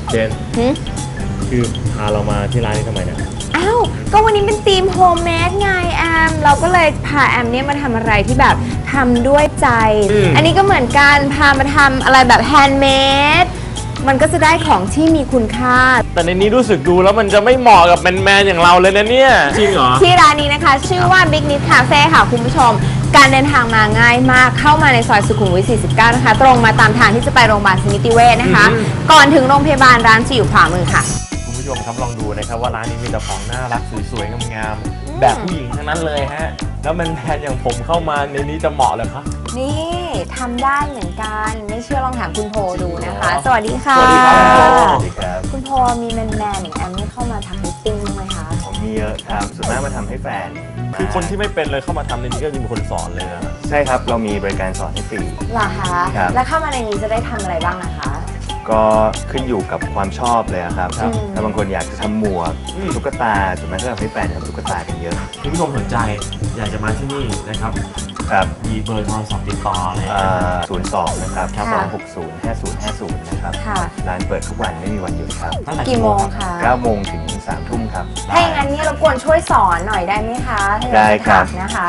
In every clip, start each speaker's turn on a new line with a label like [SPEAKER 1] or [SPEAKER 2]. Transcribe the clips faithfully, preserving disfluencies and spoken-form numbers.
[SPEAKER 1] เจนคือพาเรามาที่ร้านนี้ทำไมเนี่ย
[SPEAKER 2] อ้าวก็วันนี้เป็นธีมโฮมเมดไงแอมเราก็เลยพาแอมเนี่ยมาทำอะไรที่แบบทำด้วยใจ อันนี้ก็เหมือนกันพามาทำอะไรแบบแฮนด์เมดมันก็จะได้ของที่มีคุณค่า
[SPEAKER 1] แต่ในนี้รู้สึกดูแล้วมันจะไม่เหมาะกับแมนแมนอย่างเราเลยนะเนี่ยจริงเหรอ
[SPEAKER 2] ที่ร้านนี้นะคะชื่อว่า Big Nip Cafe ค่ะคุณผู้ชมการเดินทางมาง่ายมากเข้ามาในซอยสุขุมวิทสี่สิบเก้านะคะตรงมาตามทางที่จะไปโรงพยาบาลสมิติเวชนะคะก่อนถึงโรงพยาบาลร้านจะอยู่ขวามือค่ะ
[SPEAKER 1] คุณผู้ชมครับลองดูนะครับว่าร้านนี้มีแต่ของน่ารักสวยๆงามๆแบบผู้หญิงทั้งนั้นเลยฮะแล้วแมนแมนอย่างผมเข้ามาในนี้จะเหมาะเลยครับ
[SPEAKER 2] นี่ทำได้เหมือนกันไม่เชื่อลองถามคุณโพดูนะคะสวัสดีค่ะ
[SPEAKER 1] สวัสดี
[SPEAKER 3] ครับ
[SPEAKER 2] คุณโพมีแมนแมนอย่างแอมนี่เข้ามาทำมิตติ้งไหมคะ
[SPEAKER 3] ผมมีเยอะครับส่วนมากมาทำให้แฟน
[SPEAKER 1] คือคนที่ไม่เป็นเลยเข้ามาทำในนี้ก็จะมีคนสอนเลยนะ
[SPEAKER 3] ใช่ครับเรามีบริการสอนให้ฟรี
[SPEAKER 2] เหรอคะแล้วเข้ามาในนี้จะได้ทำอะไรบ้างนะคะ
[SPEAKER 3] ก็ขึ้นอยู่กับความชอบเลยครับถ้าบางคนอยากจะทำหมวกตุ๊กตาส่วนมากก็ทำให้แฟนทำตุ๊กตากันเยอะ
[SPEAKER 1] คุณผู้ชมสนใจอยากจะมาที่นี่นะครับ
[SPEAKER 3] ครับ
[SPEAKER 1] มีเบอร์โทรศัพท์ติดต่อเลย
[SPEAKER 3] ศูนย์สองนะครับสองหกศูนย์ห้าศูนย์ห้าศูนย์นะครับร้านเปิดทุกวันไม่มีวันหยุดครับ
[SPEAKER 2] กี่โมงคะ
[SPEAKER 3] เก้าโมงถึงสามทุ่มครับ
[SPEAKER 2] ถ้าอย่างนั้นนี่รบกวนช่วยสอนหน่อยได้ไหมคะ
[SPEAKER 3] ได้ครับ
[SPEAKER 2] นะคะ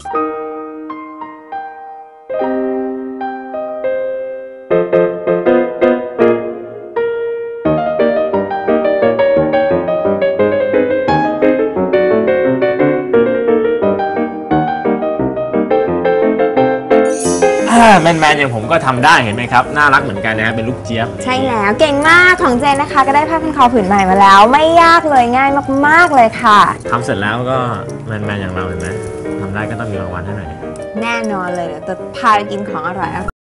[SPEAKER 1] แมนแมนอย่างผมก็ทำได้เห็นไหมครับน่ารักเหมือนกันนะครับเป็นลูกเจี๊ยบ
[SPEAKER 2] ใช่แล้วเก่งมากของเจนนะคะก็ได้ผ้าพันคอผืนใหม่มาแล้วไม่ยากเลยง่ายมากๆเลยค่ะ
[SPEAKER 1] ทำเสร็จแล้วก็แมนแมนอย่างเราเห็นไหมทำได้ก็ต้องมีรางวัลให้หน่อย
[SPEAKER 2] แน่นอนเลยเดี๋ยวจะพาไปกินของอร่อย